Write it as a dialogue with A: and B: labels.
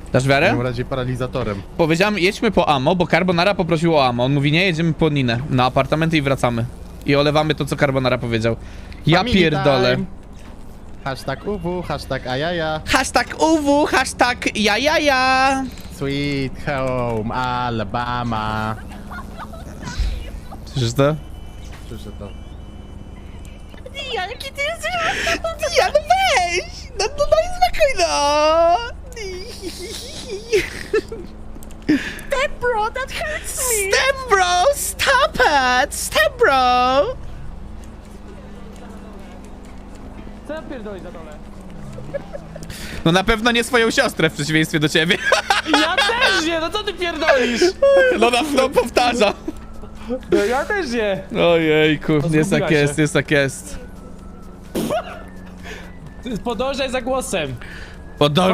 A: Dasz
B: W
A: wiarę?
B: takim razie paralizatorem.
A: Powiedziałem, jedźmy po ammo, bo Carbonara poprosił o ammo. On mówi, nie, jedziemy po Ninę, na apartamenty i wracamy. I olewamy to, co Carbonara powiedział. Ja
B: Family
A: pierdolę.
B: time. Hashtag UW, hashtag ajaja.
A: Hashtag UW, hashtag jajaja.
B: Sweet home Alabama.
A: Słyszysz to?
B: Słyszę to.
C: Jaki ty jesteś?
A: Ja, no weź! No daj spokój, no!
C: Step bro, that hurts me!
A: Step bro, stop it! Step bro!
D: Co ja pierdolisz na dole?
A: No na pewno nie swoją siostrę w przeciwieństwie do ciebie.
D: Ja też nie, no co ty pierdolisz?
A: No na pewno powtarza.
D: No ja też nie.
A: Ojejku, jest
D: zgubiła
A: jak
D: się.
A: jest, jest jak jest.
D: Podążaj za głosem.